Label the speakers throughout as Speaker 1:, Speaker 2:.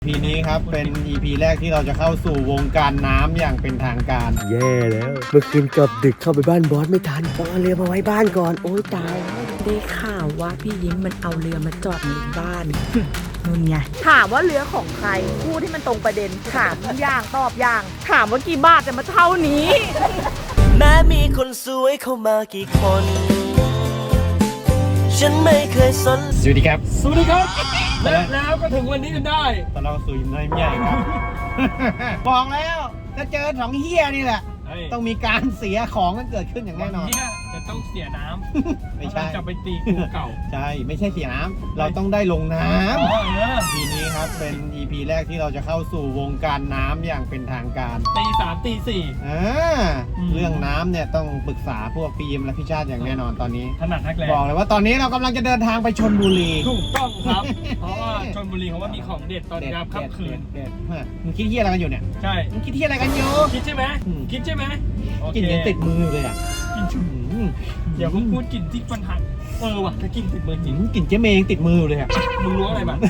Speaker 1: EP นี้ครับเป็น EP แรกที่เราจะเข้าสู่วงการน้ำอย่างเป็นทางการ
Speaker 2: แย่แล้วเมื่อคืนกลับดึกเข้าไปบ้านบอสไม่ทันต้องเอาเรือมาไว้บ้านก่อนโอ้ยตายแล้ว
Speaker 3: ได้ข่าวว่าพี่ยิ้มมันเอาเรือมาจอดในบ้าน นู่นไงถามว่าเรือของใครพูดที่มันตรงประเด็นถามอย่างตอบอย่างถามว่ากี่บาทแต่มาเท่านี้
Speaker 4: แม้มีคนสวยเข้ามากี่คน ฉันไม่เคยสน
Speaker 1: สวัสดีครับ
Speaker 5: สวัสดีครับแล้วก็ถึงวันนี้กันได้
Speaker 1: ตอนเราสู่ยิมน้อยใหญ่ครับ บอกแล้วถ้าเจอสองเฮียนี่แหละ ต้องมีการเสียของกันเกิดขึ้นอย่างแน่นอน
Speaker 5: เนี่ยจะต้องเสียน้ำ
Speaker 1: ไม่ใช่
Speaker 5: จะไปตีกูเก่า
Speaker 1: ใช่ไม่ใช่เสียน้ำเราต้องได้ลงน้
Speaker 5: อ๋อ
Speaker 1: ำ EP นี้ครับเป็น EP แรกที่เราจะเข้าสู่วงการน้ำอย่างเป็นทางการ
Speaker 5: ตี3ตี4
Speaker 1: อ่าเรื่องน้ำเนี่ยต้องปรึกษาพวกพี่ยิมและพี่ชาติอย่างแน่นอนตอนนี้
Speaker 5: ถนัดนักแรง
Speaker 1: บอกเลยว่าตอนนี้เรากำลังจะเดินทางไปชลบุรี
Speaker 5: ถูกต้องครับ เพราะว่าชลบุรีเขาว่ามีของเด็ดตอนยามค่ำคืน
Speaker 1: เด็ดมึงคิดเฮียอะไรกันอยู่เนี่ย
Speaker 5: ใช่
Speaker 1: มึงคิดเฮียอะไรกันอยู่
Speaker 5: คิดใช่ไหม
Speaker 1: อืม
Speaker 5: คิดใช่ไหมโอเค
Speaker 1: กลินยังติดมืออยู่เลยอ่ะ
Speaker 5: กินชุบเดี๋ยวมึงพูดกลิ่นที่ปัญหาว่ะถ้ากินติดมือจริง
Speaker 1: กลิ่นเจ๊เมย์ยังติดมืออยู่เลยอ่ะ
Speaker 5: มึงรู้อะไรบ้าง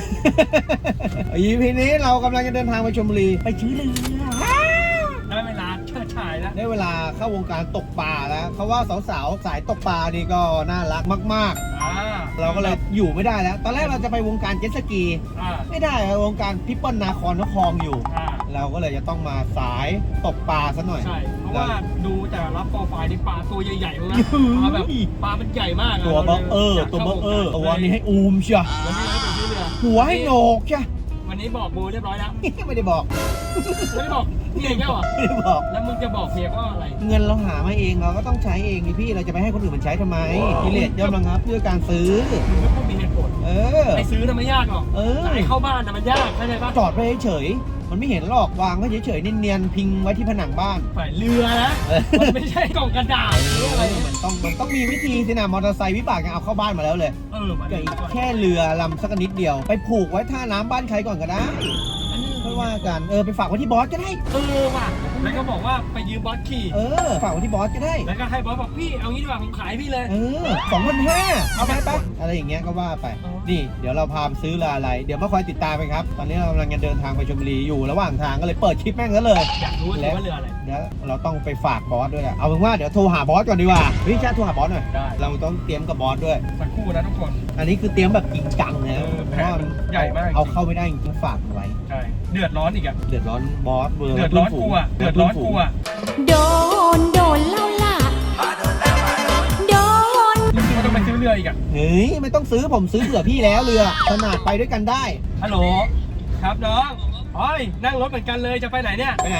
Speaker 1: EP นี้เรากำลังจะเดินทางไปชลบุรีไปซื้อเรือ
Speaker 5: ได้เวลาเชิดชายแล้ว
Speaker 1: ได้เวลาเข้าวงการตกปลาแล้วเขาว่าสาวๆสายตกปลานี่ก็น่ารักมากๆ เราก็เลยอยู่ไม่ได้แล้ว ตอนแรกเราจะไปวงการเจ็ตสกี
Speaker 5: อ่า
Speaker 1: ไม่ได้อะวงการพิปเปิลนาคอนนครอยู่
Speaker 5: อ่า
Speaker 1: เราก็เลยจะต้องมาสายตกปลาซะหน่อย
Speaker 5: ใช่เพราะว่าดูแต่ละโปรไฟล์นี่ปลาตัวใหญ่ๆนะปลาแบบปลามันใหญ่มากะ
Speaker 1: ตัวเบอตัวเบอตัวนี้ให้อูมเชียว
Speaker 5: วันนี้เราไปซื้อเรือ
Speaker 1: หัวให้โหนกเชียว
Speaker 5: วันนี้บอกบูเรียบร้อยแล้ว
Speaker 1: ไม่ได้บอก
Speaker 5: ไม่ได้บอกเมียอีกแล้วเหรอ
Speaker 1: ไม่ได้บอก
Speaker 5: แล้วมึงจะบอกเมียว่าอะไร
Speaker 1: เงินเราหามาเองเราก็ต้องใช้เองนี่พี่เราจะไปให้คนอื่นมันใช้ทำไมกิเลสย่อมระงับด้วยการซื้อ
Speaker 5: มึงก็ต้องมีเหตุผล
Speaker 1: เออ
Speaker 5: ไอ้ซื้อน่ะไม่ยากหรอก
Speaker 1: เออ
Speaker 5: แต่ไอ้เข้าบ้านน่ะมันยากเข้าใจปะ
Speaker 1: จอดไว้เฉยๆมันไม่เห็นหรอกวางไว้เฉยๆเนียนๆพิงไว้ที่ผนังบ้าน
Speaker 5: ฝ่ายเรือนะ มันไม่ใช่กล่องกระดาษหรืออะไรเนี่ย
Speaker 1: มันต้องมีวิธีสินะมอเตอร์ไซค์วิบากยังเอาเข้าบ้านมาแล้วเลย
Speaker 5: มัน
Speaker 1: ก็อีกแค่เรือลำสักนิดเดียว ไปผูกไว้ท่าน้ำบ้านใครก่อนก็ได้ไม่ว่ากันไปฝากไว้ที่บอสก็ได้
Speaker 5: ว่ะแล้วก็บอกว่าไปยืมบอสขี่
Speaker 1: ฝากไว้ที่บอสก็ได้
Speaker 5: แล้วก็ให้บอสบอกพี่เอางี้ดีกว่าผมขายพี่เลย
Speaker 1: 2,500เอาไปปะอะไรอย่างเงี้ยก็ว่าไป
Speaker 5: อ๋อ
Speaker 1: นี่เดี๋ยวเราพาไปซื้อเรืออะไร เดี๋ยวมาคอยติดตามไปครับ ตอนนี้เรากำลังจะเดินทางไปชลบุรีอยู่ระหว่างทางก็เลยเปิดคลิปแม่งซะเลย
Speaker 5: อยากรู้ว่าเรืออะไร
Speaker 1: เดี๋ยวเราต้องไปฝากบอสด้วยแหละเอาเป็นว่าเดี๋ยวโทรหาบอสก่อนดีกว่าพี่ชาติโทรหาบอสหน่อย
Speaker 5: ได้
Speaker 1: เราต้องเตรียมกับบอสด้วย
Speaker 5: สักครู่นะทุกคน
Speaker 1: อันนี้คือเตรียมแบบจริงจังนะ
Speaker 5: แผนมันใหญ่มาก
Speaker 1: เอาเข้าไม่ได้จริงๆฝากมันไว้
Speaker 5: ใช่เดือดร้อนอีกอะ
Speaker 1: เดือดร้อนบอส
Speaker 5: เดือดร้อนกูอะเดือดร้อนกูอะ
Speaker 3: โดนเล่าล่ะโดน
Speaker 5: แล้วมึงก็ต้องไปซื้อเรืออีกอะ
Speaker 1: เฮ้ยไม่ต้องซื้อผมซื้อเผื่อพี่แล้วเรือขนาดไปด้วยกันได้
Speaker 5: ฮัลโหลครับน้องอ๋อยนั่งรถเหมือนกันเลยจะไปไหนเนี่ย
Speaker 1: ไปไหน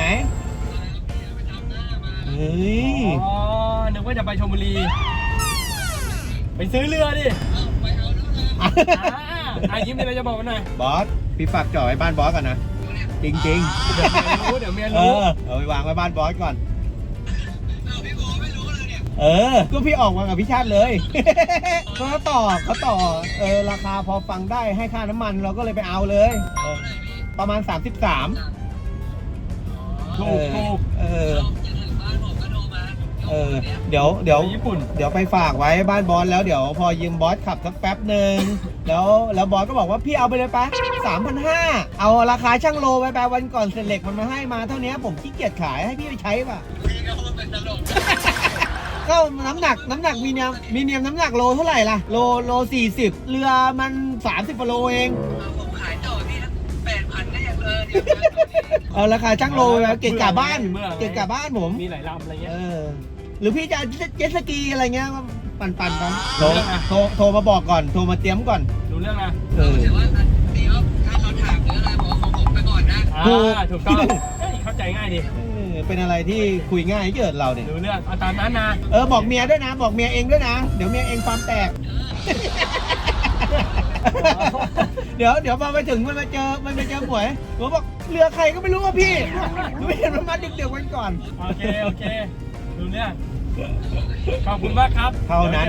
Speaker 1: เฮ้ย
Speaker 5: อ๋อนึกว่าจะไปชลบุรีไปซื้อเรือดิยิ้มมีอะไรจะบอกกันหน่อย
Speaker 1: บอสพี่ฝากจ่อไว้บ้านบอสก่อนนะจริง
Speaker 5: เดี๋ยวเมีย
Speaker 1: ๆ
Speaker 5: รู้
Speaker 1: เอาไปวางไว้บ้านบอสก่อนก็พี่ออกมากับพี่ชาติเลย เขาต่อราคาพอฟังได้ให้ค่าน้ำมันเราก็เลยไปเอาเลยประมาณ 33
Speaker 5: ถูก
Speaker 1: เดี๋ยว
Speaker 5: ญี่ปุ่น
Speaker 1: เดี๋ยวไปฝากไว้บ้านบอสแล้วเดี๋ยวพอยืมบอสขับสักแป๊บหนึ่งแล้วบอสก็บอกว่าพี่เอาไปเลยปะ3,500เอาราคาช่างโลไปวันก่อนเสร็จเหล็กมันมาให้มาเท่านี้ผมขี้เกียจขายให้พี่ไปใช้ป่ะก็น้ำหนักมีเนียมน้ำหนักโลเท่าไหร่ล่ะโล40เรือมัน30กิโลเองผมขายต่อพี่8,000ก็ยังเอาราคาช่างโลแล้วเกะกะบ้านผม
Speaker 5: มีหลายลำอะไรเงี้ย
Speaker 1: หรือพี่จะเจ็ตสกีอะไรเงี้ยปั่นไปโทรมาบอกก่อนโทรมาเตรียมก่อน
Speaker 5: รู้เรื่องนะ
Speaker 6: แต่ว่าเดี๋ยวถ้าเขาถามหรืออะไรบอกของผมไปก่อนนะ
Speaker 5: ถูกต้องเข้าใจง่ายดิ
Speaker 1: เป็นอะไรที่คุยง่ายเกิดเราเนี่ย
Speaker 5: รู้เรื่องเอาตามนั้นนะ
Speaker 1: บอกเมียด้วยนะบอกเมียเองด้วยนะเดี๋ยวเมียเองความแตก เดี๋ยวพอไปถึงมันไปเจอหมวยผมบอกเรือใครก็ไม่รู้ว่าพี่ไม่เห็นมันมาดึกๆวันก่อน
Speaker 5: โอเครู้เรื่องขอบคุณมากครับ
Speaker 1: เท่านั้น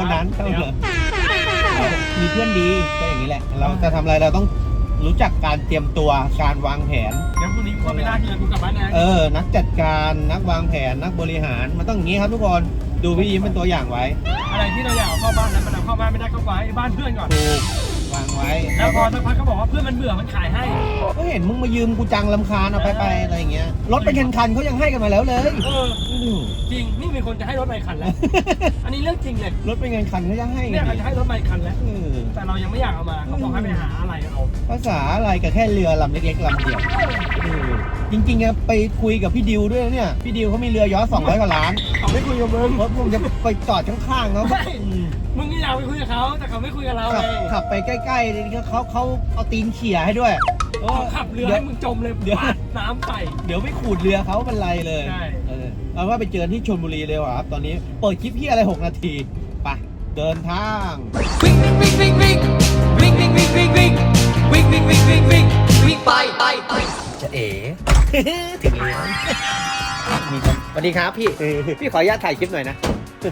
Speaker 1: มีเพื่อนดีก็อย่างนี้แหละ เราจะทำอะไรเราต้องรู้จักการเตรียมตัวการวางแผน
Speaker 5: เดี๋ยวพรุ่งนี้กูก็ไปลากเรือกูกลับบ้านนะ
Speaker 1: นักจัดการนักวางแผนนักบริหารมันต้องอย่างนี้ครับทุกคนดูพี่ยิ้มเป็นตัวอย่างไว้
Speaker 5: อะไรที่เราอยากเอาเข้าบ้านนั้นมันเอาเข้าบ้านไม่ได้เข้าไว้บ้านเพื่อนก่อน
Speaker 1: ถูกวางไว้
Speaker 5: แล้วพอสักพักเขาบอกว่าเพื่อนมันเบื่อมันขายให้
Speaker 1: ก็เห็นมึงมายืมกูจังลำคาญเอาไปอะไรอย่างเงี้ยรถเป็นคันๆเขายังให้กันมาแล้วเลย
Speaker 5: จริงนี่มีคนจะให้รถใหม่คันแล้ว อันนี้เรื่องจริงเลย
Speaker 1: รถเป็นคันๆเขายังให้กั
Speaker 5: เนี่ย
Speaker 1: น
Speaker 5: เขาจะให้รถใหม่คันแล้ว
Speaker 1: เออ
Speaker 5: แต่เรายังไม่อยากเอามาเขาบอกให้ไปหาอะไรเอา
Speaker 1: ภาษาอะไรกับแค่เรือลำเล็กๆลำเดียวจริงๆอะไปคุยกับพี่ดิวด้วยนะเนี่ยพี่ดิวเขามีเรือยอชต์200 กว่าล้าน
Speaker 5: เขาไม่คุยกับมึง
Speaker 1: รถผมจะไปจอดข้างๆเขา
Speaker 5: ใช่มึงนี่อยากไปคุยกับเขาแต่เขาไม่คุยกับเรา
Speaker 1: ขับ
Speaker 5: เลย
Speaker 1: ขับไปใกล้ๆเขาเอาตีนเขี่ยให้ด้วย
Speaker 5: เขาขับเรือให้มึงจมเลย
Speaker 1: เดี๋ยว
Speaker 5: ปาดน้ำใส่
Speaker 1: เดี๋ยวไม่ขูดเรือเขาเป็นไรเลย
Speaker 5: ใช่
Speaker 1: เอาว่าไปเจอที่ชลบุรีเลยว่ะครับตอนนี้เปิดคลิปพี่อะไร6 นาทีไปเดินทาง
Speaker 4: วิ่งวิ่งวิ่งวิ่งวิ่งวิ่งวิ่งวิ่งวิ่งวิ่งวิ่งวิ่งวิ่งวิ่งวิ่งไป
Speaker 1: จะเอ๋ ถึงแล้วมีคนสวัสดีครับพี่พี่ขออนุญาตถ่ายคลิปหน่อยนะ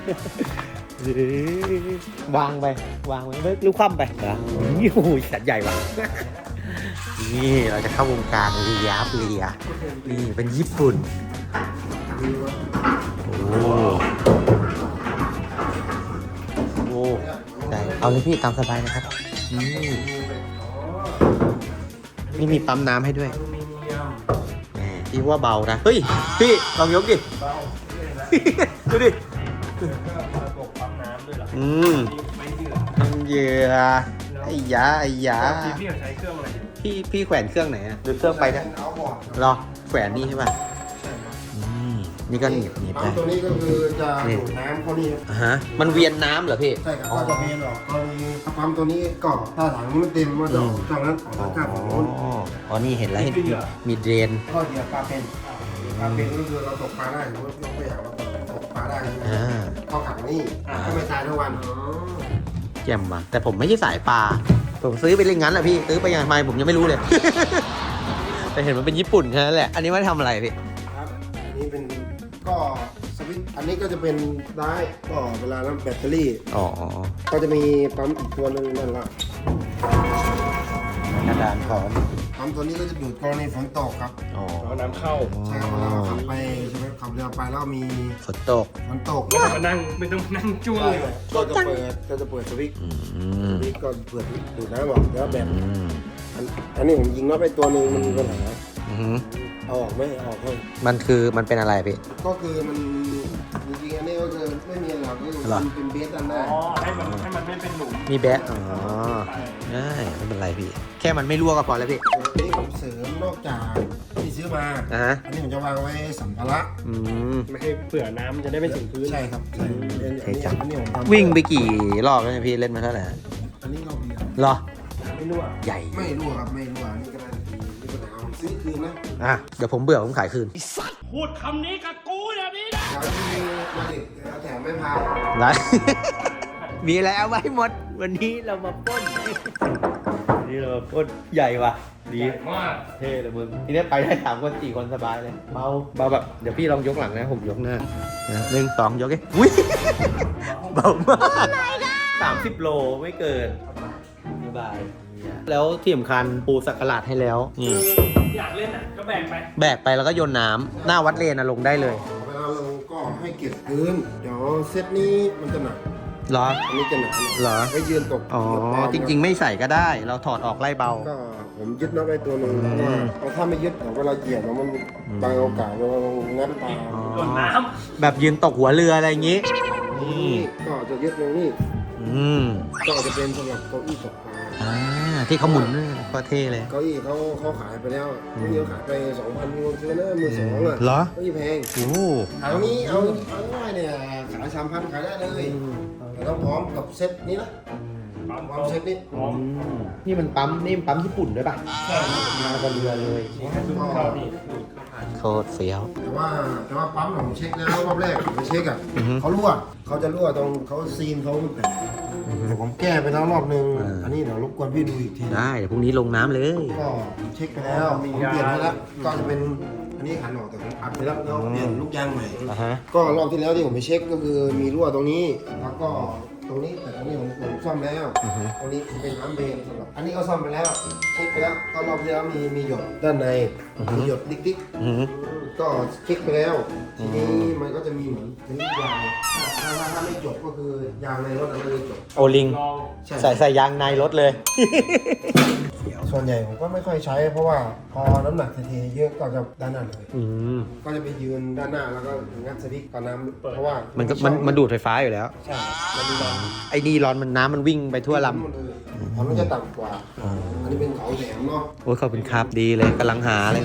Speaker 1: วางไปรู้คว่ำไปนะโอ้ยสัตว์ใหญ่ว่ะ
Speaker 2: นี่เราจะเข้าวงการเรือนี่เป็นญี่ปุ่นโอ้ได้เอาเลยพี่ตามสบายนะครับนี่มีปั๊มน้ำให้ด้วยแหมพี่ว่าเบานะเฮ้ยพี่ลองยกดิดูดิเหยื่อไอ้ยา
Speaker 5: พี่ใช้เครื่องอะไร
Speaker 2: พี่แขวนเครื่องไหนอะดูเครื่องไปนะรอแขวนนี่ใช่ป่ะนี่ก็หนีบได้
Speaker 7: ตัวนี้ก็คือจะดูดน้ำเข้านี่
Speaker 2: ฮะมันเวียนน้ำเหรอพี่
Speaker 7: ใช่ครับก็จะเมนออกกรณีปั๊มตัวนี้ก็ถ้าถังนี้มันเต็มก็จะออกจากนั้นออกจากฝั่งโน้น
Speaker 2: อ๋อนี่เห็นแล้วเห็นมีเดรน
Speaker 7: ก็เหยียบปลาเป็นก็คือเราตกปลาได้หรือว่าเราไม่อยากเราตกปลาได้เข้าขังนี่ก็ไม่ตายทั้งวัน
Speaker 2: แจ่มว่ะแต่ผมไม่ใช่สายปลาผมซื้อไปเล่นงั้นแหละพี่ซื้อไปยังไงผมยังไม่รู้เลย แต่เห็นมันเป็นญี่ปุ่นแค่นั้นแหละอันนี้ว่าทำอะไรพี่
Speaker 7: ครับอันนี้เป็นก็สวิตช์อันนี้ก็จะเป็นได้ก็เวลาน้ำแบตเตอรี่
Speaker 2: อ๋อ
Speaker 7: ก็จะมีปั๊มอีกตัวหนึ่งนั่นละ
Speaker 2: กระดานถอน
Speaker 7: ปั๊มตัวนี้ก็จะดูดกรณีฝนตกครับ
Speaker 2: อ๋อ
Speaker 5: เอาน้ำเข้า
Speaker 7: ใช่ครับเวลาเราขับไปใช่ไหมขับเรือไปแล้วมี
Speaker 2: ฝนตก
Speaker 7: ฝนตก
Speaker 5: ไม่ต้องมานั่งจ้วงเลย
Speaker 7: ก็จะเปิดสวิตช์ สวิตช์ก็เปิดดูดน้ำออกแล้วแบบอันนี้ผมยิงน็อตไปตัวหนึ่งมันมีปัญหาเอาออกไหมเอาออกให้
Speaker 2: มันเป็นอะไรพี่
Speaker 7: ก็คือมันจริงๆอันนี้ก็คือไม่มีอะไรหรอกก็คือมันเป็นเบสอันหน้า
Speaker 5: อ๋อให้มันไม่เป็นหลุม
Speaker 2: มีแบะอ๋อได้ไม่เป็นไรพี่ แค่มันไม่รั่วก็พอแล้วพี่
Speaker 7: อันนี้ผมเสริมนอกจากที่ซื้อมา อันนี้ผมจะวางไว้สัมภาระ
Speaker 5: ไม่ให้เผื่อน้ำจะได้ไม่ถึงพื้น
Speaker 7: ใช่ครับใช่อันนี้ผมทำ
Speaker 2: วิ่งไปกี่รอบแล้วเนี่ยพี่เล่นมาเท่าไหร่
Speaker 7: อันนี้เราเดียว
Speaker 2: เหรอ
Speaker 5: ไม่รู้อ่ะ
Speaker 2: ใหญ่
Speaker 7: ไม่รั่วครับไม่รั่วอันนี้ก็ได้มีปัญหาผมซื้อคืนนะ
Speaker 2: เดี๋ยวผมเบื่อผมขายคืน
Speaker 5: พูดคำนี้กับกูแบบนี้นะ
Speaker 7: แล้วที่มาดิบแถมไม่พา
Speaker 2: ไร มีอะไรเอาไว้หมด วันนี้เรามาปล้น นี่เรามาปล้นใหญ่ว่ะดี
Speaker 5: มาก
Speaker 2: เท่เลยมึงทีนี้ไปได้3 คน 4 คนสบายเลยเบาแบบเดี๋ยวพี่ลองยกหลังนะผมยกหน้า1 2 ยกเอ้ยอุ้ย เบามาก30 โลไม่เกินสบายแล้วที่สำคัญปูสักกะหลาดให้แล้วนี่
Speaker 5: อยากเล่นอ่ะก็แบกไป
Speaker 2: แบกไปแล้วก็โยนน้ำหน้าวัดเลนลงได้เลย
Speaker 7: เวลาลงก็ให้เก็บพื้นเดี๋ยวเซตนี้มันจะหนัก
Speaker 2: เหรอ
Speaker 7: อันนี้จะหนัก
Speaker 2: เหรอ
Speaker 7: ให้ยืนตก
Speaker 2: อ๋อจริงๆไม่ใส่ก็ได้ เราถอดออกไล่เบา
Speaker 7: ก็ผมยึดน็อตไว้ตัวหนึ่งเพราะว่าถ้าไม่ยึดเดี๋ยวเวลาเหยียบแล้วมันบางโอกาสเรางัดปลา
Speaker 5: โดนน้
Speaker 2: แบบยืนตกหัวเรืออะไรอย่างงี้ นี่
Speaker 7: ก็จะยึดตรงนี้ ก็จะเป็นสำหรับเก้าอี้ตกปลา
Speaker 2: ที่เขาหมุนนี่ก็เท่เลย
Speaker 7: เก้าอี้เขาขายไปแล้วเก้าอี้ขายไป 2,000มีคนซื้อนะ12,000อ่ะ
Speaker 2: เหรอ
Speaker 7: เก้าอี้แพง
Speaker 2: โอ้
Speaker 7: ถังนี้เอาง่ายเนี่ยขาย 3,000 ขายได้เลยแต่ต้องพร้อมกับเซ็ตนี้นะ
Speaker 5: ำปั๊ม
Speaker 7: พร้อมเซ็ตนี้
Speaker 5: พร้อม
Speaker 2: นี่มันปั๊มญี่ปุ่นด้วยป่ะ
Speaker 7: ใช่
Speaker 2: มากับเรือเลย
Speaker 5: เข้านี่
Speaker 2: โคตรเฟี้ยว
Speaker 7: แต่ว่าปั๊มผมเช็คแล้วรอบแรกผมไปเช็คอ่ะ
Speaker 2: อือฮึ
Speaker 7: เขารั่วเขาจะรั่วตรงเขาซีนเขาแต่แต่ผมแก้ไปแล้วรอบนึง อันนี้เดี๋ยวรบกวนพี่ดูอีกที
Speaker 2: ได้เดี๋ยวพรุ่งนี้ลงน้ำเลย
Speaker 7: ก็เช็คไปแล้วผมเปลี่ยนไปแล้วก็จะเป็นอันนี้ขันออกแต่ผมอัดไปแล้วแล้วเปลี่ยนลูกยางใหม่
Speaker 2: อ่ะฮะ
Speaker 7: ก็รอบที่แล้วที่ผมไปเช็คก็คือมีรั่วตรงนี้ แล้วก็ตรงนี้แต่ตรงนี้ผมซ่อมแล้วตรงนี้เป็นน้ำเบนสำหรับอันนี้ก็ซ่อมไปแล้วเช็คไปแล้วก็รอบที่แล้วมีหยดด้านในมีหยดดิ๊กๆก็เช็คไปแล้วทีนี้มันก็จะมีเหมือนยางถ้าไม่จบก็คือยางในรถมันไม่จบ
Speaker 2: โอลิง ใส่ยางในรถเลย
Speaker 7: ส่วนใหญ่ผมก็ไม่ค่อยใช้เพราะว่าพอน้ำหนักเทเยอะก็จะด้านหน้าเลย ก็จะไปยืนด้านหน้าแล้วก็งัดสวิตช์ก่อนน้ำเพราะว่า
Speaker 2: มันดูดไฟฟ้าอยู่แล้ว
Speaker 7: ใช่มันมีร้อน
Speaker 2: ไอ้นี่ร้อนมันน้ำมันวิ่งไปทั่วล
Speaker 7: มันจะต่ำกว่าอันนี้เป็นเขาแหลมเนาะ
Speaker 2: ำโอ้ยขอบคุณครับดีเลยกำลังหาเลย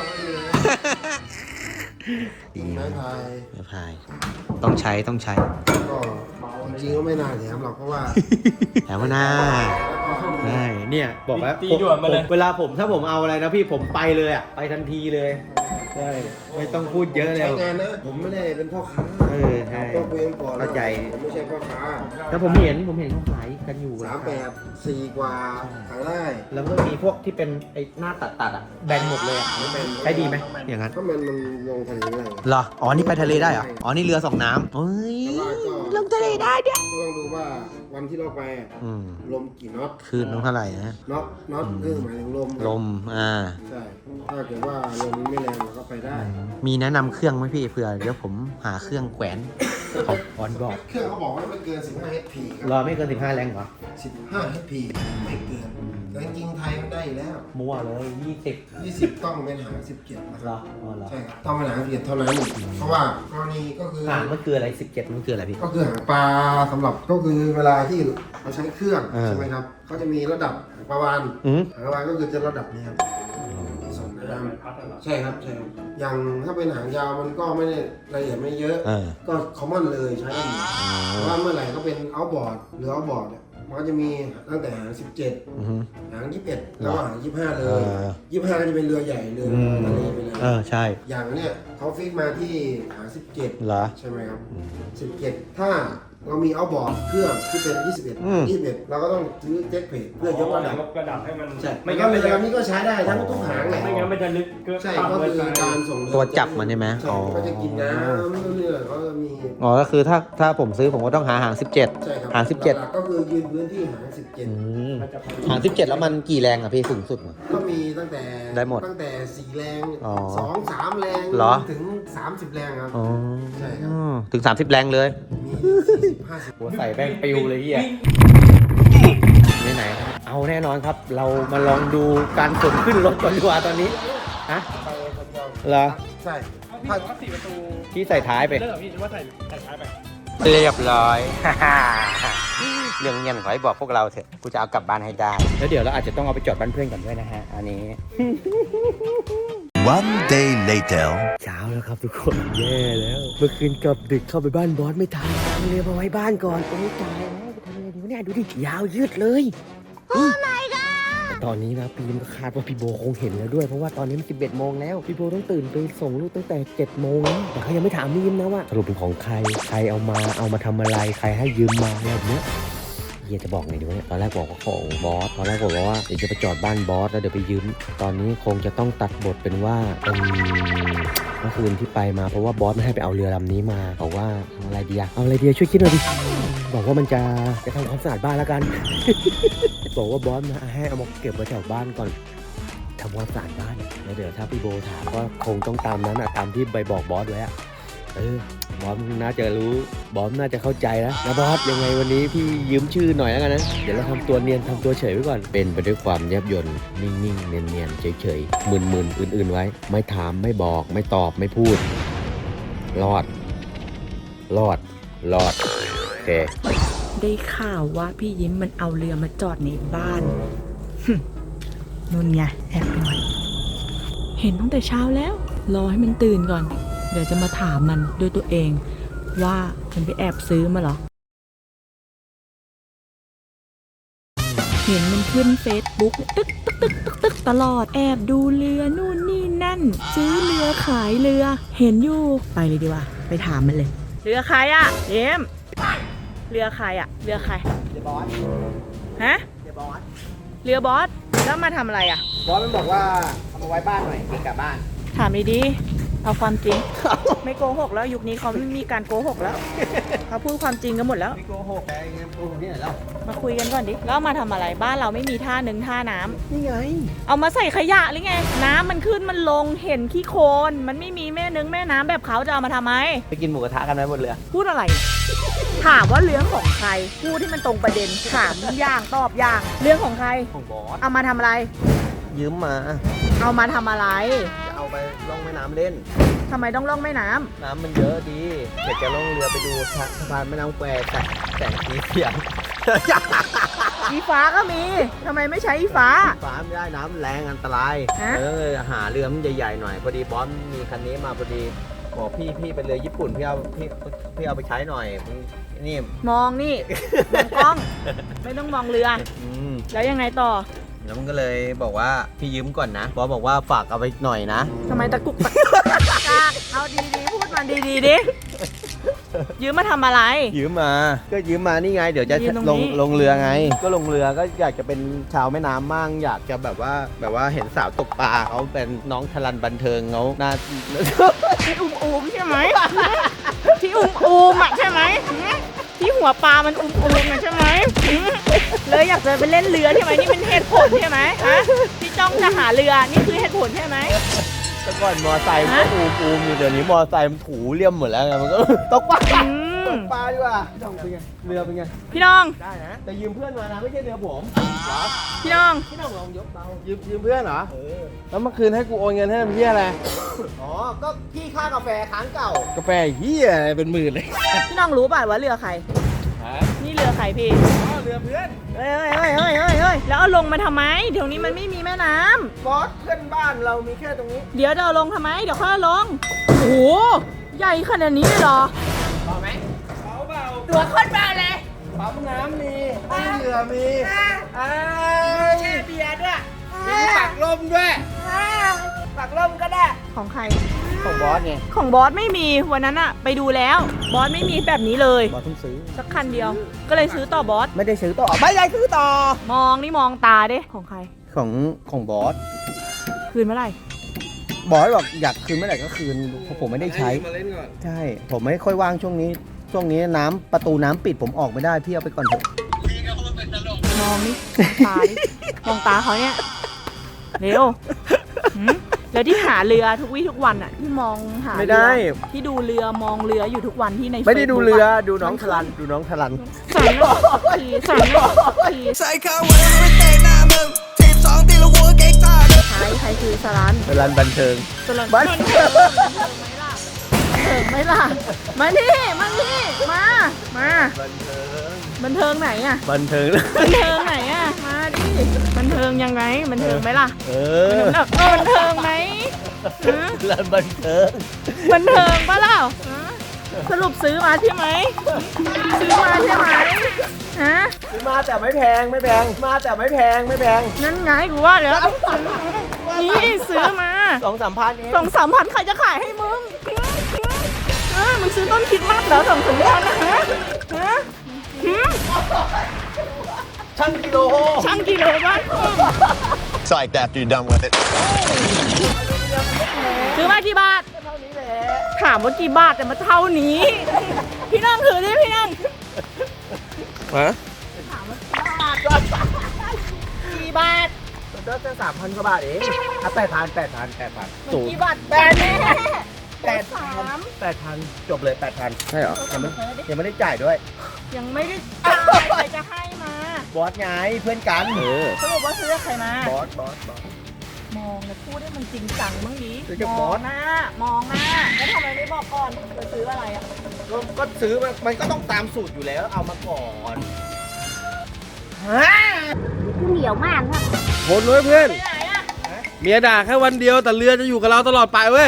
Speaker 7: ไม้พาย
Speaker 2: ไม่พายต้องใช้
Speaker 7: ก็จริงๆก็ไม่น่าแหลมหรอกเพราะว่า
Speaker 2: แถมว่าหน้าใช่เนี่ยบอกแล้ว
Speaker 5: ตีด่วนมาเลย
Speaker 2: เวลาถ้าผมเอาอะไรนะพี่ผมไปเลยอ่ะไปทันทีเลยใช่ไม่ต้องพูดเยอะเลย
Speaker 7: ใช้งานนะผมไม่ได้เป็นพ่อค้า
Speaker 2: ใช่
Speaker 7: ต้องคุยกันก่อน
Speaker 2: เข้าใจ
Speaker 7: ผมไม่ใช่พ่อค้า
Speaker 2: แล้วผมเห็นเขาขายกันอยู่
Speaker 7: 38 4 กว่าขายได้
Speaker 2: แล้วก็มีพวกที่เป็นไอ้หน้าตัดอ่ะแบนหมดเลยอ่ะใช้ดีไหมอย่างนั้น
Speaker 7: ก็มันลงทะเลได้
Speaker 2: เหรออ๋อนี่ไปทะเลได้เหรออ๋อนี่เรือสองน้ำเฮ้ย
Speaker 7: แต่ว่าก็
Speaker 2: ลงทะเลได้เนี่ย
Speaker 7: ก็ต้องดูว่าวันที่เราไปลมกี่น็อต
Speaker 2: คืนต้องเท่าไหร่นะ
Speaker 7: น็อตหมายถึงลม
Speaker 2: ลม
Speaker 7: ใช่ถ้าเกิดว่าลมไม่แรงเราก็ไปได้
Speaker 2: มีแนะนำเครื่องไหมพี่เผื่อเดี๋ยวผมหาเครื่องแขวนของออนบอร์ด
Speaker 7: เครื่องเขาบอกว่าไม่เกิน 15 HP ค
Speaker 2: ร
Speaker 7: รั
Speaker 2: อไม่เกิน15แรงเหรอ
Speaker 7: 15 HP ไม่เกินแต่จริงๆไทยมันได้อยู่แล้ว
Speaker 2: มั่วเลย
Speaker 7: 20 ต้องเป็นหาง17นะค
Speaker 2: เหร
Speaker 7: รั
Speaker 2: อบ อ๋อเหรอ
Speaker 7: ใช่ครับต้องเป็นหาง17เท่านั้นเพราะว่ากรณีก็คือ
Speaker 2: หางมันคืออะไร17มันคืออะไรพี่
Speaker 7: ก็คือหางปลาสำหรับก็คือเวลาที่เราใช้เครื่องใช่ไหมครับเขาจะมีระดับหางปลาวานหางปลาวานก็คือจะระดับนี้ครับส่งน้ำใช่ครับอย่างถ้าเป็นหางยาวมันก็ไม่ได้ละเอียดไม่เยอะก็คอมมอนเลยใช้ได้หมดแต่ว่าเมื่อไหร่ก็เป็นเอาบอร์ดหรือเอาบอร์ดเนี่ยมันก็จะมีตั้งแต่หาง17หาง21แล้วก็หาง25เลย25ก็จะเป็นเรือใหญ่เรือทะเลไปเลย
Speaker 2: ใช่
Speaker 7: อย่างเนี้ยเขาฟิกมาที่หาง17
Speaker 2: เหรอ
Speaker 7: ใช่ไหมครับ17ถ้าเรามีเอาบอร์ดเครื่องที่เป็น21เราก็ต้องซื้อเจ็คเพจเพื่อยกระดับ
Speaker 5: ยกระดับให้มัน
Speaker 7: ใช่
Speaker 5: ไม่
Speaker 7: ไม่
Speaker 5: งั้
Speaker 7: งั้
Speaker 5: น
Speaker 7: น
Speaker 5: มัน
Speaker 7: เรือ
Speaker 5: จะ
Speaker 7: นี้ก็ใช้ได้ทั้งทุกหางแหละ
Speaker 5: ไม่งั้นมันจะลึกก็
Speaker 7: ใช่ก็คือการส่งเรือ
Speaker 2: ตัวจับมันใช่ไหม
Speaker 7: ใช่ก็จะกินน้ำเรื่อยๆก็จะมี
Speaker 2: อ๋อก็คือถ้าผมซื้อผมก็ต้องหาหาง17
Speaker 7: ใช่ครับ
Speaker 2: หาง17
Speaker 7: หลักๆก็คือยืนพื้นที่หาง17
Speaker 2: หาง17แล้วมันกี่แรงอ่ะพี่สูงสุด
Speaker 7: ก็มีตั้งแต่
Speaker 2: ได้หมด
Speaker 7: ตั้งแต่4แรง
Speaker 2: อ๋อ
Speaker 7: 2-3 แรง
Speaker 2: เหรอ
Speaker 7: ถึง30 แรงครับ
Speaker 2: อ๋อ
Speaker 7: ใช่ครับ
Speaker 2: ถึง30แรงเลย
Speaker 7: มี40-50
Speaker 2: หัวใส่แป้งปิวเลยเฮียไหนๆเอาแน่นอนครับ เรามาลองดูการขนขึ้นรถก่อนดีกว่าตอนนี้ฮะ
Speaker 7: ไปคนเดียว
Speaker 2: เหรอ
Speaker 7: ใช่
Speaker 5: พี่บอกว่า4 ประตู
Speaker 2: ที่ใส่ท้ายไป
Speaker 5: เลิกพี่ว่าใส่ท้ายไป
Speaker 2: เรียบร้อย เรื่องเงี้ยขอให้บอกพวกเราเถอะกูจะเอากลับบ้านให้ได้ แล้วเดี๋ยวเราอาจจะต้องเอาไปจอดบ้านเพื่อนก่อนด้วยนะฮะ อันนี้
Speaker 8: One day later
Speaker 2: เช้าแล้วครับทุกคนแย่แล้ว เมื่อคืนกลับดึกเข้าไปบ้านบอสไม่ทันเอาเรือมาไว้บ้านก่อนโอ้ยตายแล้วไปทำอะไรดีวะเนี่ยดูดิยาวยืดเลยโอ้ my god แต่ตอนนี้นะพี่ยิมก็คาดว่าพี่โบคงเห็นแล้วด้วยเพราะว่าตอนนี้มัน11 โมงแล้วพี่โบต้องตื่นไปส่งลูกตั้งแต่7 โมงแล้วแต่เขายังไม่ถามพี่ยิมนะว่าสรุปเป็นของใครเอามาทำอะไรใครให้ยืมมาอะไรแบบเนี้ยเฮียจะบอกไงดีวะเนี่ยตอนแรกบอกว่าของบอสตอนแรกบอกว่าเดี๋ยวจะไปจอดบ้านบอสแล้วเดี๋ยวไปยืมตอนนี้คงจะต้องตัดบทเป็นว่าเมื่อคืนที่ไปมาเพราะว่าบอสไม่ให้ไปเอาเรือลำนี้มาบอกว่าเอาอะไรดีช่วยคิดหน่อยดิบอกว่ามันจะทำความสะอาดบ้านแล้วกัน บอกว่าบอสมาให้เอามาเก็บไว้แถวบ้านก่อนทำความสะอาดบ้านแล้วเดี๋ยวถ้าพี่โบถามก็คงต้องตามนั้นตามที่ใบบอกบอสไว้บอสน่าจะรู้บอสน่าจะเข้าใจนะบอสยังไงวันนี้พี่ยืมชื่อหน่อยแล้วกันนะเดี๋ยวเราทำตัวเนียนทำตัวเฉยไว้ก่อนเป็นไปด้วยความแยบยลนิ่งๆเนียนๆเฉยๆมึนๆอื่นๆไว้ไม่ถามไม่บอกไม่ตอบไม่พูดรอดโอเค
Speaker 3: ได้ข่าวว่าพี่ยิ้มมันเอาเรือมาจอดในบ้าน นู่นไงแอบด่วนเห็นตั้งแต่เช้าแล้วรอให้มันตื่นก่อนเดี๋ยวจะมาถามมันด้วยตัวเองว่ามันไปแอบซื้อมาเหรอเห็นมันขึ้นเฟซบุ๊กตึกตลอดแอบดูเรือนู่นนี่นั่นซื้อเรือขายเรือเห็นอยู่ไปเลยดีกว่าไปถามมันเลยเรือใครอะเยิ้มเรือใครอะเรือใครเรือบอสฮะเรือบอสแล้วมาทำอะไรอะ
Speaker 2: บอสมันบอกว่าเอามาไว้บ้านหน่อยเกะกะบ้าน
Speaker 3: ถามดีเอาความจริง ไม่โกหกแล้วยุคนี้เขาไม่มีการโกหกแล้วเขาพูดความจริงกันหมดแล้ว
Speaker 2: ไม่โกหกไงโกหกที่ไหนล่ะ
Speaker 3: มาคุยกันก่อนดิแล้วเอามาทำอะไรบ้านเราไม่มีท่านึงท่าน้ำ
Speaker 2: นี่ไง
Speaker 3: เอามาใส่ขยะหรือไง น้ำมันขึ้นมันลงเห็นขี้โคลนมันไม่มีแม่นึงแม่น้ำแบบเขาจะเอามาทำไม
Speaker 2: ไปกินหมูกระทะกันไหมหมดเลย
Speaker 3: พูดอะไร ถามว่าเรื่องของใครพูดที่มันตรงประเด็นถามอย่างตอบอย่างเรื่องของใคร
Speaker 2: ของบอส
Speaker 3: เอามาทำอะไร
Speaker 2: ยืมมา
Speaker 3: เอามาทำอะไร
Speaker 2: จะเอาไปล่องแม่น้ำเล่น
Speaker 3: ทำไมต้องล่องแม่น้ำ
Speaker 2: น้ำมันเยอะดีเดี๋ยวจะล่องเรือไปดูสะพานแม่น้ำแควแสงสีเสียง
Speaker 3: อีฟ้าก็มีทำไมไม่ใช้อีฟ้า
Speaker 2: ฟ้าไม่ได้น้ำแรงอันตราย
Speaker 3: ฮะ
Speaker 2: หาเรือมันใหญ่ๆหน่อยพอดีบอสมีคันนี้มาพอดีบอกพี่เป็นเรือญี่ปุ่นพี่เอาไปใช้หน่อยนี่
Speaker 3: มองนี่มองกล้อง ไม่ต้องมองเรือ แล้วยังไงต่อ
Speaker 2: แล้วมันก็เลยบอกว่าพี่ยืมก่อนนะบอสบอกว่าฝากเอาไปหน่อยนะ
Speaker 3: ทำไมตะกุกตะกักเอาดีๆพูดมาดีๆดิยืมมาทำอะไร
Speaker 2: ยืมมาก็ยืมมานี่ไง เดี๋ยวจะ
Speaker 3: ยืมตรงนี้
Speaker 2: ลงเรือไง ก็ลงเรือก็อยากจะเป็นชาวแม่น้ำมั่งอยากจะแบบว่าเห็นสาวตกปลาเขาเป็นน้องทลันบันเทิงเขาหน้า
Speaker 3: ที่อุ้มๆใช่ไหมที่อุ้มๆอ่ะใช่ไหมที่หัวปลามันอุ้มๆอ่ะใช่ไหมเลยอยากจะไปเล่นเรือใช่ไหมนี่เป็นเหตุผลใช่ไหมฮะที่จ้องจะหาเรือนี่คือเหตุผลใช่ไหม
Speaker 2: แต่ก่อนมอไซค์มันก็อูมอยู่เดี๋ยวนี้มอไซค์มันถูเลี่ยมหมดแล้วไงมันก็ ตกปลาตกปลาดีกว่าพี่น้องเป็นไงเรือเป็นไง
Speaker 3: พี่น้อง
Speaker 2: ได้นะแต่ยืมเพื่อนมานะไม่ใช่เรือผมเหรอ
Speaker 3: พี่น้อง
Speaker 2: พี่น้องลองยกเบายืมเพื่อนเหรอ
Speaker 8: แล้วเมื่อคืนให้กูโอนเงินให้มันเฮียอะไร
Speaker 2: อ๋อก็พี่ค่ากาแฟค้างเก่าก
Speaker 8: าแฟเฮียอะไรเป็นหมื่นเลย
Speaker 3: พี่น้องรู้ป่ะว่าเรือใคร
Speaker 8: ฮะ
Speaker 3: นี่เรือใครพี่
Speaker 8: อ๋อเรือเพื่อน
Speaker 3: เฮ้ยแล้วเอาลงมาทำไมเดี๋ยวนี้มันไม่มีแม่น้ำ
Speaker 2: บอสเพื่อนบ้านเรามีแค่ตรงนี้
Speaker 3: เดี๋ยวจะเอาลงทำไมเดี๋ยวค่อยเอาลงโอ้โหใหญ่ขนาดนี้เลยเหรอ
Speaker 2: เบาไหม
Speaker 3: ตัวโคตรเบาเลย
Speaker 2: ปั๊มน้ำมีเรือมี
Speaker 3: แช่เบียร์ด้วย
Speaker 2: มีปักลมด้วย
Speaker 3: ปักลมก็ได้ของใคร
Speaker 2: ของบอสไง
Speaker 3: ของบอสไม่มีวันนั้นอะไปดูแล้วบอสไม่มีแบบนี้เลย
Speaker 2: บอสเพิ่งซื้อ
Speaker 3: สักคันเดียว ก็เลยซื้อต่อบอส
Speaker 2: ไม่ได้ซื้อต่อไม่ได้ซื้อต่อ
Speaker 3: มองนี่มองตาดิของใคร
Speaker 2: ของบอส
Speaker 3: คืนเมื่อไหร่
Speaker 2: บอสบอกอยากคืนเมื่อไหร่ก็คืนเพราะผมไม่ได้ใช้
Speaker 8: มาเล่นก่อน
Speaker 2: ใช่ ผมไม่ค่อยว่างช่วงนี้น้ำประตูน้ำปิดผมออกไม่ได้พี่เอาไปก่อนเถอะ
Speaker 6: พี่ก็พูดเป็นตลก
Speaker 3: มองนี่มองตาดิมองตาเขาเนี่ยเร็วหืมแล้วที่หาเรือทุกวี่ทุกวันอะที่มองหา
Speaker 2: ไม่ได้
Speaker 3: เรือที่ดูเรือมองเรืออยู่ทุกวันที่ใน
Speaker 2: ไม่ได้ดู
Speaker 3: Facebook
Speaker 2: เรือ
Speaker 3: อะ
Speaker 2: ดูน้องทลันดูน้องทลัน
Speaker 3: สามรอบทีสามรอบที
Speaker 4: ใส่ข้าวไว้ไม่เตะหน้ามึงทีม2ตีละหัวเก๊กตาเลย
Speaker 3: ใครคือสลัน
Speaker 2: ทลันบันเทิง
Speaker 3: สลัน
Speaker 2: บันเทิง
Speaker 3: เถิงไหมล่ะมานี่มานี่มาบันเทิงไหนอะ
Speaker 2: บันเทิง
Speaker 3: บันเทิงไหนอะมาดิบันเทิงยังไงบันเทิงไหมล่ะ
Speaker 2: เอ
Speaker 3: บันเทิงไหมฮะ
Speaker 2: ทลันบันเทิง
Speaker 3: บันเทิงปะเล่าฮะสรุปซื้อมาใช่ไหมซื้อมาใช่ไหมฮะ
Speaker 2: ซื้อมาแต่ไม่แพงมาแต่ไม่แพง
Speaker 3: นั่นไงกูว่าแล้วนี่ซื้อมา
Speaker 2: 2-3 พันเอง
Speaker 3: 2-3 พันใครจะขายให้มึงมึงซื้อต้นคริดมากเหรอ2-3 พันนะฮะหืม
Speaker 2: ชั่งกิโล
Speaker 3: ช่างกิโลบ้าง
Speaker 9: Psyched after you're done with it.
Speaker 3: ซื้อมากี่บาทถามว่ากี่บาทแต่มาเท่านี้ พี่น้องถือดิพี่น้อง
Speaker 8: ฮะ
Speaker 3: กี่บาท
Speaker 2: ก็จะ3,000 กว่าบาทเองอ่ะ8,000
Speaker 3: กี่บาทแปดแน่
Speaker 2: 8,000 จบเลย 8,000
Speaker 8: ใช่เหรอ
Speaker 2: ยังไม่ได้จ่ายด้วย
Speaker 3: ยังไม่ได้จ่ายใครจะให้มา
Speaker 2: บอสไงเพื่อนกัน
Speaker 3: สรุปว่าซื้อกับใครมา
Speaker 2: บอส
Speaker 3: มองแล้วพูดให้มันจริงจังบ้างดิ
Speaker 2: ซื้อกับบอส
Speaker 3: มองหน้าแล้วทำไมไม่บอกก่อนไปซื้ออะไรอ่ะ
Speaker 2: ก็ซื้อมันก็ต้องตามสูตรอยู่แล้วเอามาก่อน
Speaker 8: ทนไว้เพื่อน
Speaker 3: ไปไหนอ่ะ
Speaker 8: เมียด่าแค่วันเดียวแต่เรือจะอยู่กับเราตลอดไปเว้ย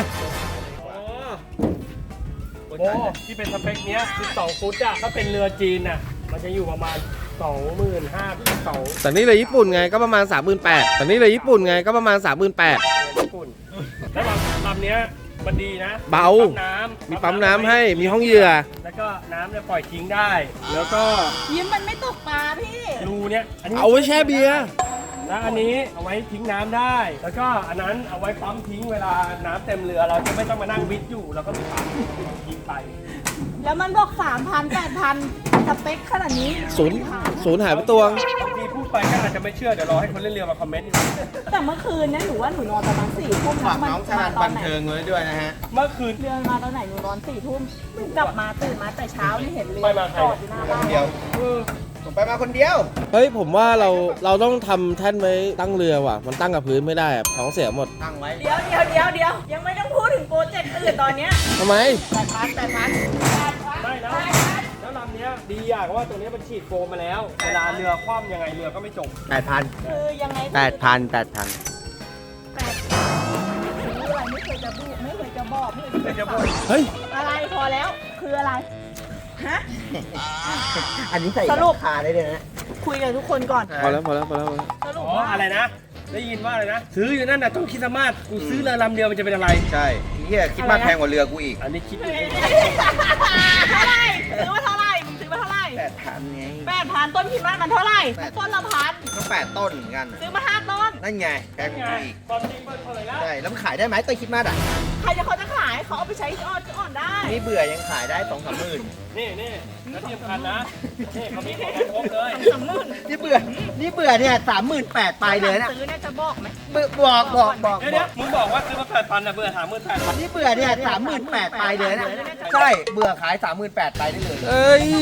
Speaker 5: โอ้ที่เป็นสเปคเนี้ยคือ2ฟุตอะถ้าเป็นเรือจีนอะมันจะอยู่ประมาณ 25,000ถึง2
Speaker 8: แต่นี่เรือญี่ปุ่นไงก็ประมาณ 38,000แต่นี่เรือญี่ปุ่นไงก็ประมาณ 38,000
Speaker 5: ญี่ปุ่นแล้วลำเนี้ยมันดีนะ
Speaker 8: เบา มีปั๊มน้ำให้มีห้องเหยื่อ
Speaker 5: แล้วก็น้ำเนี่ยปล่อยทิ้งได้ แล้วก็
Speaker 3: ยิ้มมันไม่ตกปลาพี่
Speaker 5: รูเนี้ยอันนี้
Speaker 8: เอาไว้แช่เบียร์
Speaker 5: แล้วอันนี้เอาไว้ทิ้งน้ำได้ แล้วก็อันนั้นเอาไว้ปั๊มทิ้งเวลาน้ำเต็มเรือเราจะไม่ต้องมานั่งวิทย์อยู่เราก็มีปั๊มยิงไป
Speaker 3: แล้วมันบอก 3,000 8,000 สเปคขนาดนี้
Speaker 8: ศูนย์หายไปตัว
Speaker 5: บางทีพูดไปก็อาจจะไม่เชื่อเดี๋ยวรอให้คนเล่นเรือมาคอมเมนต์อยู่
Speaker 3: แต่เมื่อคืนเนี่ยหนูว่าหนูนอนประมาณ4 ทุ่ม
Speaker 2: ฝากน้องชาญบันเทิงไว้ด้วยนะฮะ
Speaker 5: เมื่อคืน
Speaker 3: เรือมาตอนไหนหนูนอน4 ทุ่มกลับมาตื่นมาแต่เช้านี่เห็นเรือ
Speaker 5: ไปมาใคร
Speaker 3: จอดอยู่หน้าบ้าน
Speaker 2: เดี๋ยวผมไปมาคนเดียว
Speaker 8: เฮ้ยผมว่าเราต้องทำแท่นไว้ตั้งเรือว่ะ มันตั้งกับพื้นไม่ได้อะท้องเสียหมด
Speaker 2: ตั้งไว้
Speaker 3: เดี๋ยวยังไม่ต้องพูดถึงโปรเจกต์อื่นตอนเนี้ย
Speaker 8: ทำไม
Speaker 5: ไม่แล้วลำเนี้ยดีอย่างว่าตรงเนี้ยมันฉีดโฟมมาแล้วเวลาเรือคว่ำยังไงเรือก็ไม่จม
Speaker 2: 8,000
Speaker 3: คือยังไง
Speaker 2: 8,000
Speaker 3: ซื้ออะไรไม่เคยจะพูดไม่เคยจะบอกไม่เคยจะบอก
Speaker 8: เฮ้ย
Speaker 3: อะไรพอแล้วคืออะไรฮะ
Speaker 2: อันนี้ใส่
Speaker 3: สรุป
Speaker 2: คาได้เลยนะ
Speaker 3: คุยกับทุกคนก่อน
Speaker 8: พอแล้ว
Speaker 3: สรุป
Speaker 5: อ๋อ
Speaker 3: ว่า
Speaker 5: อะไรนะ ได้ยินว่าอะไรนะ ซื้ออยู่นั่นน่ะต้องคิดสมาร์ทกูซื้อเรือลำเดียวมันจะเป็นอะไร
Speaker 2: ใช่เฮียคิดมากแพงกว่าเรือกูอีก
Speaker 5: อันนี้คิดอยู่
Speaker 3: เท่าไหร่ซื้อมาเท่าไหร่มึงซื้อมาเท่าไหร่
Speaker 2: 8,000ไง
Speaker 3: 8,000ต้นคิดว่ามันเท่าไหร่ต้นละพัน
Speaker 2: ก็8 ต้นเหมือนกัน
Speaker 3: ซื้อมา5 ต้น
Speaker 2: นั่นไงแพงกว่ากูอีก
Speaker 5: ตอนจริงเปิดเผยแล้ว
Speaker 2: ใช่ แล้วมันขายได้ไหมต้นคิดมากอ่ะ
Speaker 3: ใครจะเขาจะขายเขาเอาไปใช้อ่อนได้
Speaker 2: นี่เบื่อยังขายได้ 2-3 หมื่น
Speaker 5: นี่แล้วที่สำคัญนะ นี่เขามีของครบเลย
Speaker 2: นี่เบื่อเนี่ย38,000ไปเลยนะ
Speaker 3: ซื้อเนี่ยจะบอกไหม
Speaker 2: บอก
Speaker 5: เดี๋ยวมึงบอกว่าซื้อมา8,000นะเบื่อ38,000
Speaker 2: นี่เบื่อเนี่ย38,000ไปเลยนะใช่เบื่อขาย38,000ไปได้เลย
Speaker 8: เอ้ย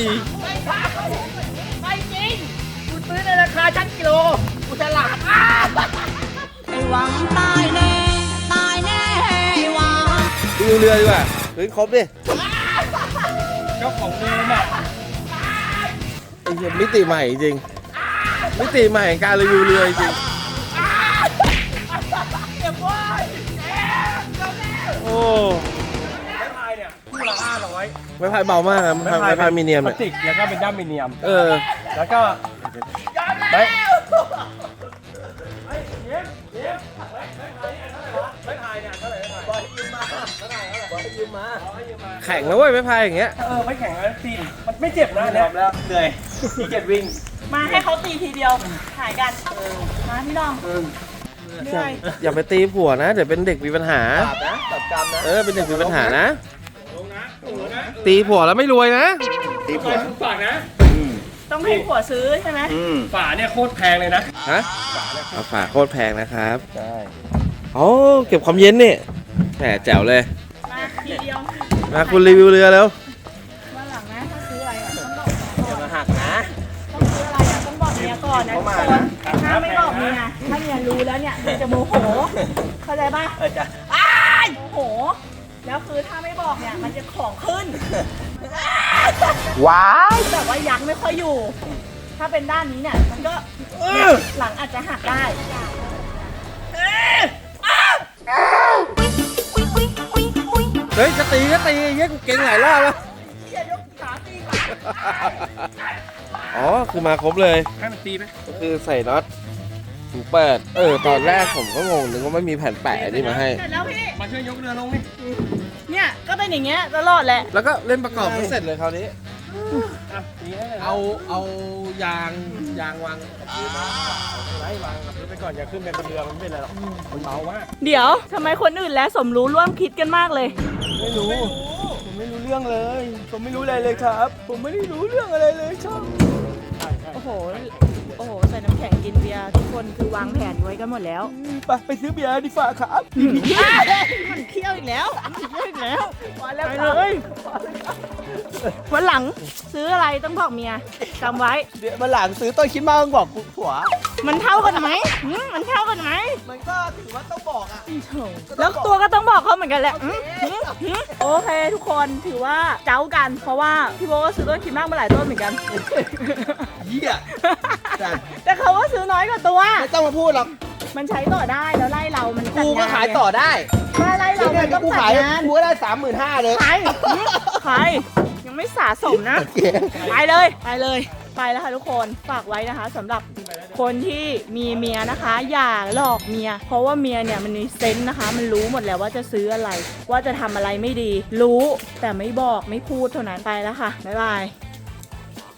Speaker 3: ไม่จริงกูซื้อในราคาชั้นกิโลกูจะหลับไอ้หวังตายแน่ไอ้หวัง
Speaker 8: ดูเรือดีกว่าพื้นครบดิ
Speaker 5: เจ้าของเดิมอ่ะ
Speaker 8: ไอ้เหี้ยมิติใหม่จริง มิติใหม่แห่งการรีวิวเรือจริง โอ้
Speaker 5: ไม้พายเนี่ยคู่ละ500
Speaker 8: ไม้พายเบามากนะไม้พายมีเนียม
Speaker 5: พลา
Speaker 8: เนี่ย
Speaker 5: สติกแล้วก็เป็นด้ามมีเนียม
Speaker 8: เออ
Speaker 5: แล้วก็ไม่ไม่พายเนี่ยเท่าไหร่บอยยืมมา
Speaker 8: แข็งแล้วเว้ยไม้พายอย่างเงี้ย
Speaker 5: ไม่แข็งแล้วตีมันไม่เจ็บนะเนี่ยแล้วเหนื่อยขี้เกียจวิ่ง
Speaker 3: มาให้เขาตีทีเดียวหายกันมาพี่น้องเหนื่อย
Speaker 8: อย่าไปตีผัวนะ เดี๋ยวเป็นเด็กมีปัญหา
Speaker 2: ตัดกรรมนะ
Speaker 8: เป็นเด็กมีปัญหานะ
Speaker 5: ลงนะลงนะ
Speaker 8: ตีผัวแล้วไม่รวยนะ
Speaker 2: ตีผัว
Speaker 5: ฝากนะ
Speaker 3: ต้องให้ผัวซื้อใช่ไหม
Speaker 5: ฝาเนี่ยโคตรแพงเลยนะ
Speaker 8: ฮะเอาฝาโคตรแพงนะครับ ใช่อ๋อเก็บความเย็นนี่แหมแจ๋วเลย
Speaker 3: มาทีเดียว
Speaker 8: มาคุณรีวิวเรือแล้ว
Speaker 3: วันหลังนะถ้าซื้ออะไรอ่ะต้องบอกก่อน
Speaker 2: มาหักนะ
Speaker 3: ต้องซื้ออะไรอ่ะต้องบอกเมียก่อนนะทุกคนถ้าไม่บอกเมียถ้าเมียรู้แล้วเนี่ยเมียจะโมโหเข้าใจป่ะ
Speaker 2: จ้ะ
Speaker 3: อ้ายโมโหแล้วคือถ้าไม่บอกเนี่ยมันจะของขึ้น
Speaker 2: ว้าย
Speaker 3: แบบว่ายักษ์ไม่ค่อยอยู่ ถ้าเป็นด้านนี้เนี่ยมันก็หลังอาจจะหักได้
Speaker 8: เฮ้ยจะตีก็ตีเย้ยกูเก่งหลายรอบแล้ว อ๋อ คือมาครบเลย
Speaker 5: ให้มันตีไหม
Speaker 8: ก็คือใส่น็อตถูเปิด ตอนแรกผมก็งงนึกว่าไม่มีแผ่นแปะอันนี้มาให้
Speaker 3: เสร็จแล้วพี่
Speaker 5: มาช่วยยกเรือลงนี่
Speaker 3: เนี่ยก็เป็นอย่างเงี้ยตลอดแหละ
Speaker 8: แล้วก็เล่นประกอบให้เสร็จเลยคราวนี้
Speaker 5: อ่ะตีให้เลยนะ
Speaker 8: เอายางวาง
Speaker 5: ไล่วางกับพื้นไปก่อนอย่าขึ้นไปบนเรือมันไม่เป็นไรหรอกมันเบามาก
Speaker 3: เดี๋ยวทำไมคนอื่นและสมรู้ร่วมคิดกันมากเลย
Speaker 5: ไม่รู้ผมไม่รู้เรื่องเลย ผมไม่รู้อะไรเลยครับ ผมไม่ได้รู้เรื่องอะไรเลยครับใช่
Speaker 3: โอ้โห ใส่น้ำแข็งกินเบียร์ทุกคนคือวางแผนไว้กันหมดแล้ว
Speaker 5: ไปซื้อเบียร์ดีฝ่าครับ
Speaker 3: มันเที่ยวอีกแล้วมาแล้วไปเลยวันหลังซื้ออะไรต้องบอกเมียจำไว้
Speaker 2: เดี๋ยวมาหลังซื้อต้นคิดมากต้องบอกกูผัว
Speaker 3: มันเท่ากันไหมมันเท่ากันไหม
Speaker 2: มันก็ถือว่าต้องบอกอ่ะ
Speaker 3: แล้วตัวก็ต้องบอกเขาเหมือนกันแหละโอเคทุกคนถือว่าเจ้ากัน เพราะว่าพี่โบก็ซื้อต้นคิดมากมาหลายต้นเหมือนกัน
Speaker 2: เหี้ย
Speaker 3: แต่เขาก็ซื้อน้อยกว่าตัว
Speaker 2: ไม่ต้องมาพูดหรอก
Speaker 3: มันใช้ต่อได้แล้วไล่เรามันจัด
Speaker 2: กูก็
Speaker 3: งน
Speaker 2: ขายต่อได้
Speaker 3: ไล่เรา
Speaker 2: เนี่
Speaker 3: มั
Speaker 2: ย
Speaker 3: นต้อง
Speaker 2: กู
Speaker 3: จั
Speaker 2: ขาย
Speaker 3: ดงาน
Speaker 2: กูก็ได้ 35,000เลย
Speaker 3: ใครยังไม่สะสมนะ ไปเลย ไปแล้วค่ะทุกคนฝากไว้นะคะสำหรับคนที่มีเมียนะคะ อย่าหลอกเมีย เพราะว่าเมียเนี่ยมันมีเซนส์นะคะ มันรู้หมดแล้วว่าจะซื้ออะไร ว่าจะทำอะไรไม่ดี รู้แต่ไม่บอกไม่พูดเท่านั้นไปแล้วค่ะบ๊ายบาย